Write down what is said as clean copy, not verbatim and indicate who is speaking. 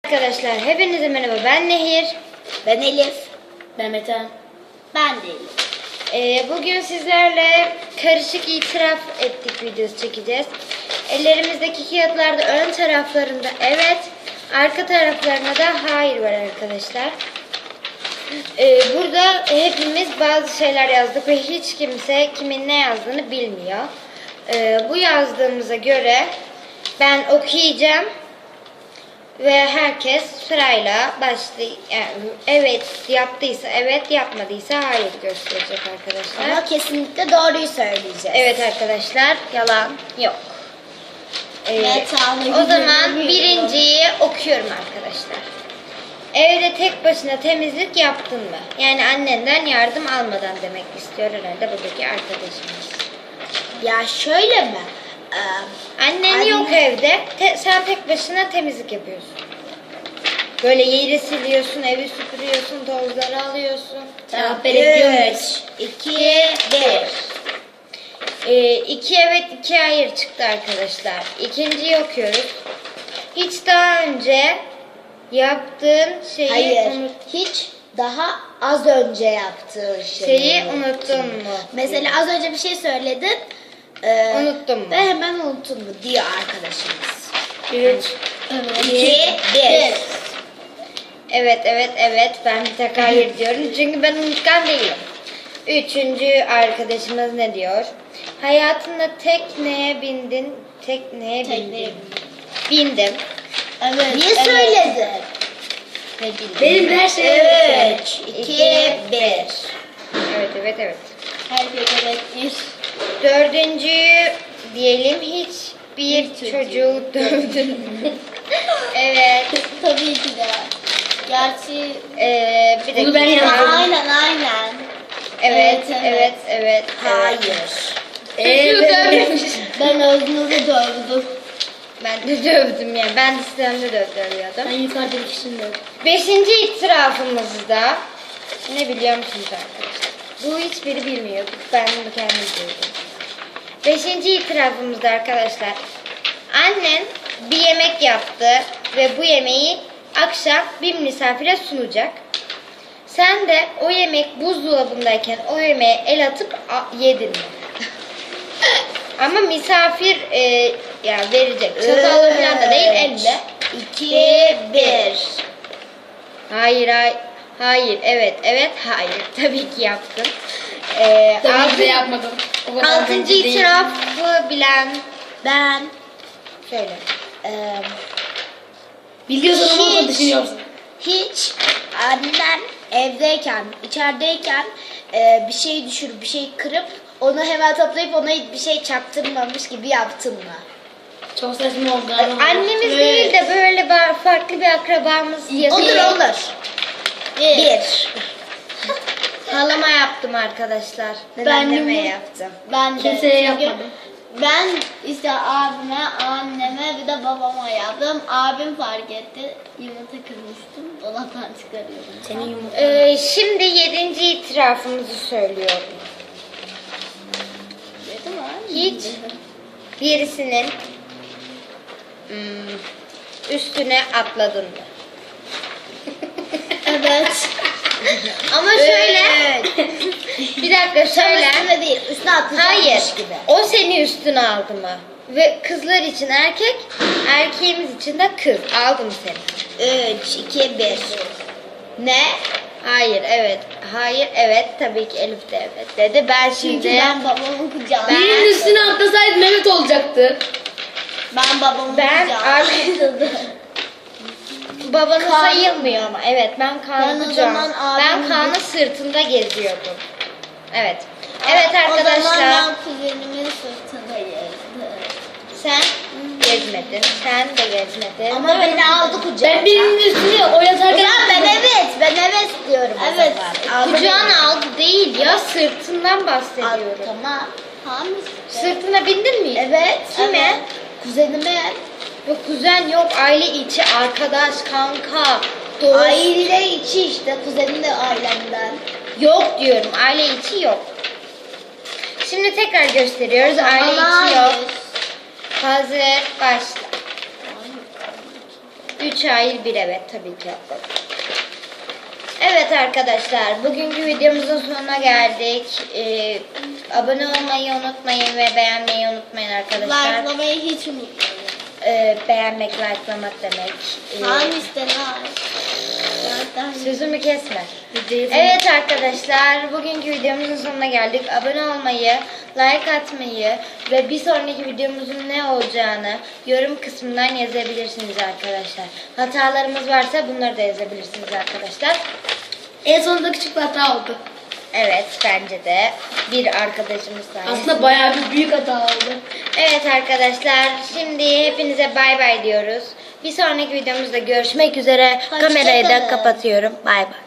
Speaker 1: Arkadaşlar hepinize merhaba, ben Nehir.
Speaker 2: Ben Elif.
Speaker 3: Ben Mete.
Speaker 2: Ben de Elif.
Speaker 1: Bugün sizlerle karışık itiraf ettik videosu çekeceğiz. Ellerimizdeki kağıtlarda ön taraflarında evet, arka taraflarında da hayır var arkadaşlar. Burada hepimiz bazı şeyler yazdık ve hiç kimse kimin ne yazdığını bilmiyor. Bu yazdığımıza göre ben okuyacağım. Ve herkes sırayla evet yaptıysa evet, yapmadıysa hayır gösterecek arkadaşlar.
Speaker 2: Ama kesinlikle doğruyu söyleyeceğiz.
Speaker 1: Evet arkadaşlar, yalan yok.
Speaker 2: Metalı
Speaker 1: O zaman
Speaker 2: gibi
Speaker 1: birinciyi okuyorum arkadaşlar. Evde tek başına temizlik yaptın mı? Yani annenden yardım almadan demek istiyor herhalde buradaki arkadaşımız.
Speaker 2: Ya şöyle mi?
Speaker 1: Annen
Speaker 2: Anne-
Speaker 1: yok evde. Sen tek başına temizlik yapıyorsun. Böyle yeri siliyorsun, evi süpürüyorsun, tozları alıyorsun.
Speaker 3: Cevap verebiliyor
Speaker 2: 3,
Speaker 3: muyuz?
Speaker 2: 2, 1.
Speaker 1: 2 evet 2 hayır çıktı arkadaşlar. İkinciyi okuyoruz. Hiç daha önce yaptığın şeyi
Speaker 2: Hayır. Hiç daha az önce yaptığın
Speaker 1: şeyi unuttun mu?
Speaker 2: Mesela az önce bir şey söyledin.
Speaker 1: Unuttun mu?
Speaker 2: Ve hemen unuttun mu diyor arkadaşımız.
Speaker 3: 3.
Speaker 2: 2, 1.
Speaker 1: Evet. Ben bir tek hayır diyorum. Çünkü ben unutkan değilim. Üçüncü arkadaşımız ne diyor? Hayatında tekneye bindin. Tekneye bindin. Bindim.
Speaker 2: Evet. Niye söyledin?
Speaker 1: Ne bileyim.
Speaker 3: Benim her şeyim
Speaker 2: 3, 2, 1.
Speaker 1: Evet.
Speaker 2: Herkes evet bir.
Speaker 1: Dördüncüyü diyelim, hiç bir çocuğu dövdün mü? Evet.
Speaker 2: Tabii ki de. Gerçi
Speaker 1: Bir de
Speaker 3: Bunu ben yaptım.
Speaker 2: aynen.
Speaker 1: Evet.
Speaker 2: Hayır.
Speaker 1: Çocuğu dövmüş.
Speaker 2: Ben Öznur'u dövdüm.
Speaker 1: Ben de dövdüm yani. Ben de sistemde dövüyordum.
Speaker 3: Ben yukarıda ikisini de.
Speaker 1: Beşinci itirafımızda ne biliyor musunuz arkadaşlar? Bu hiçbiri bilmiyor. Ben bunu kendim duydum. Beşinci itirafımızda arkadaşlar, annen bir yemek yaptı ve bu yemeği akşam bir misafire sunacak. Sen de o yemek buzdolabındayken o yemeğe el atıp yedin mi? Ama misafir yani verecek. Çatalla falan da değil, elle.
Speaker 2: 2, 1.
Speaker 1: Hayır, evet, hayır. Tabii ki yaptım.
Speaker 3: Tabii ki de yapmadım. O kadar
Speaker 1: Altıncı
Speaker 3: bence değil.
Speaker 1: itirafı bilen
Speaker 2: Ben
Speaker 1: söyle.
Speaker 3: Biliyorsun ama
Speaker 2: Hiç.
Speaker 3: düşünüyorsun.
Speaker 2: hiç annem evdeyken, içerideyken bir şey düşürüp, bir şey kırıp onu hemen toplayıp ona bir şey çaktırmamış gibi yaptın mı?
Speaker 3: Çok saçma oldu ama.
Speaker 1: Annemiz değil de böyle farklı bir akrabamız yazıyor.
Speaker 2: Olur. 1.
Speaker 1: Halama yaptım arkadaşlar.
Speaker 2: Ben
Speaker 1: Anneme
Speaker 2: de-
Speaker 1: yaptım.
Speaker 2: Ben de.
Speaker 3: Kimseye
Speaker 2: Çünkü
Speaker 3: yapmadım.
Speaker 2: Ben işte abime, anneme bir de babama yaptım. Abim fark etti. Yumurta kırmıştım. Dolaptan çıkarıyordum.
Speaker 3: Senin yumurtan.
Speaker 1: Şimdi 7. itirafımızı söylüyorum.
Speaker 2: Dedim mi?
Speaker 1: Hiç birisinin üstüne atladın mı?
Speaker 2: Evet.
Speaker 1: Ama şöyle bir dakika şöyle.
Speaker 2: Üstüne değil. Üstüne atlayacakmış
Speaker 1: Hayır.
Speaker 2: gibi.
Speaker 1: O seni üstüne aldı mı? Ve kızlar için erkek, erkeğimiz için de kız. Aldım seni.
Speaker 2: 3, 2, 1. Ne?
Speaker 1: Hayır, evet. Tabii ki Elif de evet dedi. Ben
Speaker 2: Çünkü
Speaker 1: şimdi
Speaker 2: ben babamın kucağına.
Speaker 3: Birinin üstüne atlasaydı Mehmet olacaktı.
Speaker 2: Ben babamın
Speaker 1: Ben
Speaker 2: kucağına.
Speaker 1: babanın
Speaker 2: Kaan-
Speaker 1: sayılmıyor ama. Evet, ben
Speaker 2: Ben
Speaker 1: Kaan'ı
Speaker 2: o
Speaker 1: kucağım.
Speaker 2: zaman
Speaker 1: Ben
Speaker 2: abimin-
Speaker 1: Kaan'ın sırtında geziyordum. Evet. Evet
Speaker 2: O zaman
Speaker 1: arkadaşlar.
Speaker 2: ben kuzenimin sırtında gezdim.
Speaker 1: Sen gezmedin. Sen de gezmedin.
Speaker 2: Ama beni aldı kucağına.
Speaker 3: Ben birinin üstüne oynatarken...
Speaker 2: Ben evet diyorum.
Speaker 1: Evet.
Speaker 2: Aldı
Speaker 1: Kucağına aldı değil ya, sırtından
Speaker 2: beni.
Speaker 1: bahsediyorum.
Speaker 2: Tamam. Tamam işte.
Speaker 1: Sırtına bindin mi?
Speaker 2: Evet.
Speaker 1: Kime?
Speaker 2: Evet. Kuzenime.
Speaker 1: Yok kuzen yok, aile içi, arkadaş, kanka, dost.
Speaker 2: Aile içi işte. Kuzenim de ailemden.
Speaker 1: Yok diyorum, aile içi yok. Şimdi tekrar gösteriyoruz, aile içi yok. Hazır, başla. 3 hayır 1 evet tabii ki atladım. Evet arkadaşlar, bugünkü videomuzun sonuna geldik. Abone olmayı unutmayın ve beğenmeyi unutmayın arkadaşlar.
Speaker 2: Likelamayı hiç unutmayın.
Speaker 1: Beğenmek, likelamak demek.
Speaker 2: Hangisi like?
Speaker 1: Sözümü kesme. Evet arkadaşlar, bugünkü videomuzun sonuna geldik. Abone olmayı, like atmayı ve bir sonraki videomuzun ne olacağını yorum kısmından yazabilirsiniz arkadaşlar. Hatalarımız varsa bunları da yazabilirsiniz arkadaşlar.
Speaker 3: En sonunda küçük bir hata oldu.
Speaker 1: Evet, bence de bir arkadaşımız sayesinde.
Speaker 3: Aslında bayağı bir büyük hata oldu.
Speaker 1: Evet arkadaşlar, şimdi hepinize bay bay diyoruz. Bir sonraki videomuzda görüşmek üzere.
Speaker 2: Hoşça
Speaker 1: Kamerayı da
Speaker 2: kalın.
Speaker 1: kapatıyorum. Bay bay.